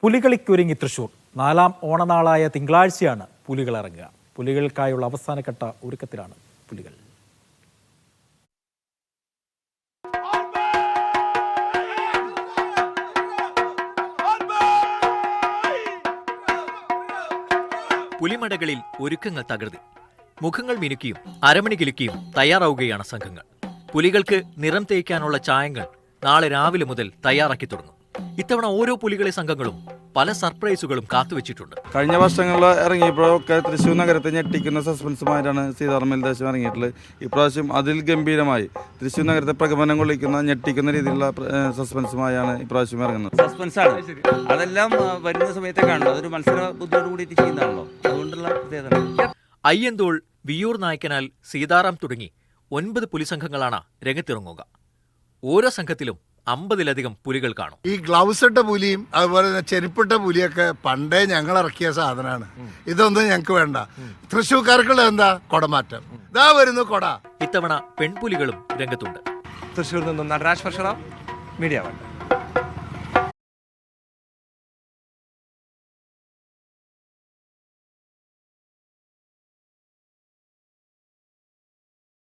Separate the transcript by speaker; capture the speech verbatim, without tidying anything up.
Speaker 1: പുലികളിക്കൊരുങ്ങി തൃശൂർ. നാലാം ഓണനാളായ തിങ്കളാഴ്ചയാണ് പുലികൾ ഇറങ്ങുക. പുലികൾക്കായുള്ള അവസാനഘട്ട ഒരുക്കത്തിലാണ് പുലികൾ.
Speaker 2: പുലിമടകളിൽ ഒരുക്കങ്ങൾ തകൃതി. മുഖങ്ങൾ മിനുക്കിയും അരമണി കിലുക്കിയും തയ്യാറാവുകയാണ് സംഘങ്ങൾ. പുലികൾക്ക് നിറം തേക്കാനുള്ള ചായങ്ങൾ നാളെ രാവിലെ മുതൽ തയ്യാറാക്കി തുടങ്ങും. ഇത്തവണ ഓരോ പുലികളെ സംഘങ്ങളും പല സർപ്രൈസുകളും കാത്തുവച്ചിട്ടുണ്ട്.
Speaker 3: കഴിഞ്ഞ വർഷങ്ങളിൽ ഇറങ്ങിയപ്പോഴൊക്കെ തൃശ്ശൂർ നഗരത്തെ ഞെട്ടിക്കുന്ന സസ്പെൻസുമായിട്ടാണ് സീതാറാം ദേശം ഇറങ്ങിയിട്ടുള്ളത്. ഇപ്രാവശ്യം അതിൽ ഗംഭീരമായി തൃശ്ശൂർ നഗരത്തെ പ്രകമ്പനം കൊള്ളിക്കുന്ന ഞെട്ടിക്കുന്ന രീതിയിലുള്ള സസ്പെൻസുമായാണ് ഇപ്രാവശ്യം ഇറങ്ങുന്നത്.
Speaker 4: സസ്പെൻസാണ് അതെല്ലാം വരുന്ന സമയത്തെ കാണുന്നത്. അതൊരു മത്സര ബുദ്ധിയോട് കൂടിയിട്ട് ചെയ്യുന്നതാണല്ലോ, അതുകൊണ്ടുള്ള പ്രത്യേകത.
Speaker 2: അയ്യന്തോൾ, വിയൂർ നായ്ക്കനാൽ, സീതാറാം തുടങ്ങി ഒൻപത് പുലിസംഘങ്ങളാണ് രംഗത്തിറങ്ങുക. ഓരോ സംഘത്തിലും അമ്പതിലധികം പുലികൾ കാണും.
Speaker 5: ഈ ഗ്ലൗസ് ഇട്ട പുലിയും അതുപോലെ തന്നെ ചെരുപ്പിട്ട പുലിയൊക്കെ പണ്ടേ ഞങ്ങൾ ഇറക്കിയ സാധനമാണ്. ഇതൊന്നും ഞങ്ങൾക്ക് വേണ്ട. തൃശ്ശൂർക്കാർക്കുള്ള എന്താ കൊടമാറ്റം. ഇതാ വരുന്നു കൊട.
Speaker 2: ഇത്തവണ പെൺപുലികളും രംഗത്തുണ്ട്.
Speaker 6: തൃശ്ശൂരിൽ നിന്നും നടരാജ് പരശുറാം, മീഡിയ വൺ.